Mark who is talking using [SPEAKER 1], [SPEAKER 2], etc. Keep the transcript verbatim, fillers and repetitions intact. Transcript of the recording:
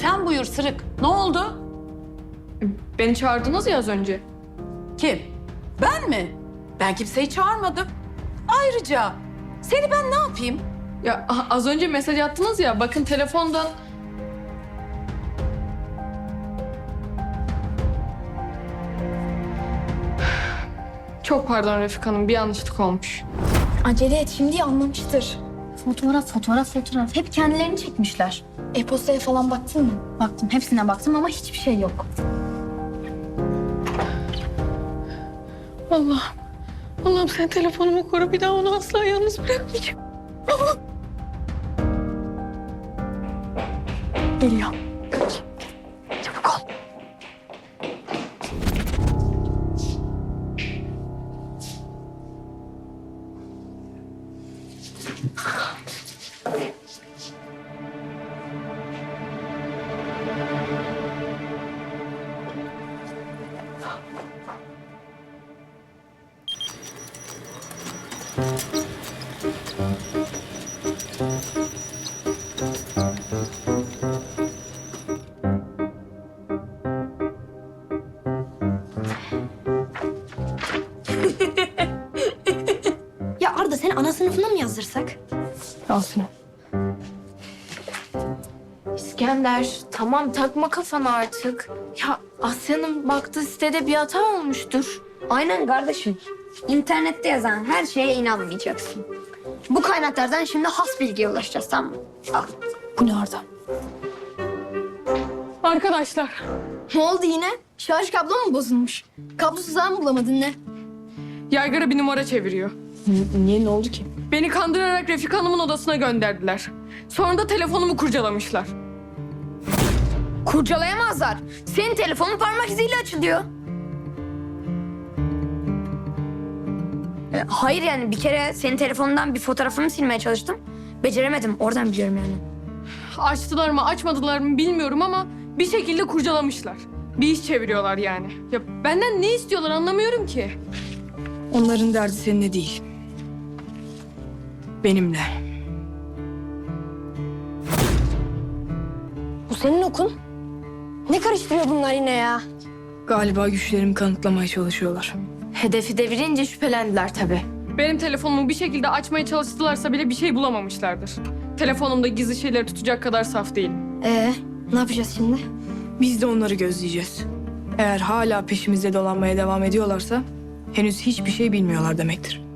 [SPEAKER 1] Sen buyur Sırık. Ne oldu?
[SPEAKER 2] Beni çağırdınız ya az önce.
[SPEAKER 1] Kim? Ben mi? Ben kimseyi çağırmadım. Ayrıca seni ben ne yapayım?
[SPEAKER 2] Ya a- az önce mesaj attınız ya, bakın telefondan. Çok pardon Refik Hanım, bir yanlışlık olmuş.
[SPEAKER 3] Acele et, şimdi anlamıştır.
[SPEAKER 4] Fotoğraf, fotoğraf, fotoğraf. Hep kendilerini çekmişler.
[SPEAKER 3] E-postaya falan baktın mı?
[SPEAKER 4] Baktım, hepsine baktım ama hiçbir şey yok.
[SPEAKER 2] Allah'ım, Allah'ım sen telefonumu koru, bir daha onu asla yalnız bırakmayacağım. Geliyor. Kaç. Çabuk ol.
[SPEAKER 3] Ya Arda, seni ana sınıfına mı yazdırsak?
[SPEAKER 2] Al şunu.
[SPEAKER 5] İskender, tamam takma kafana artık. Ya Asya'nın baktığı sitede bir hata olmuştur.
[SPEAKER 6] Aynen kardeşim. İnternette yazan her şeye inanmayacaksın. Bu kaynaklardan şimdi has bilgiye ulaşacağız, tamam mı? Al.
[SPEAKER 3] Bu ne Arda?
[SPEAKER 2] Arkadaşlar,
[SPEAKER 3] Ne oldu yine? Şarj kablo mu bozulmuş? Kablosuz ağ mı bulamadın ne?
[SPEAKER 2] yaygara bir numara çeviriyor.
[SPEAKER 3] Niye, ne oldu ki?
[SPEAKER 2] Beni kandırarak Refik Hanım'ın odasına gönderdiler. Sonra da telefonumu kurcalamışlar.
[SPEAKER 6] Kurcalayamazlar. Senin telefonun parmak iziyle açılıyor. E, hayır yani bir kere senin telefonundan bir fotoğrafımı silmeye çalıştım. Beceremedim. Oradan biliyorum yani.
[SPEAKER 2] Açtılar mı açmadılar mı bilmiyorum ama bir şekilde kurcalamışlar. Bir iş çeviriyorlar yani. Ya benden ne istiyorlar anlamıyorum ki.
[SPEAKER 7] Onların derdi seninle değil. Benimle.
[SPEAKER 3] Bu senin okun. Ne karıştırıyor bunlar yine ya?
[SPEAKER 7] Galiba güçlerimi kanıtlamaya çalışıyorlar.
[SPEAKER 5] Hedefi devirince şüphelendiler tabii.
[SPEAKER 2] Benim telefonumu bir şekilde açmaya çalıştılarsa bile bir şey bulamamışlardır. Telefonumda gizli şeyleri tutacak kadar saf değilim.
[SPEAKER 3] Ee, ne yapacağız şimdi?
[SPEAKER 7] Biz de onları gözleyeceğiz. Eğer hala peşimizde dolanmaya devam ediyorlarsa henüz hiçbir şey bilmiyorlar demektir.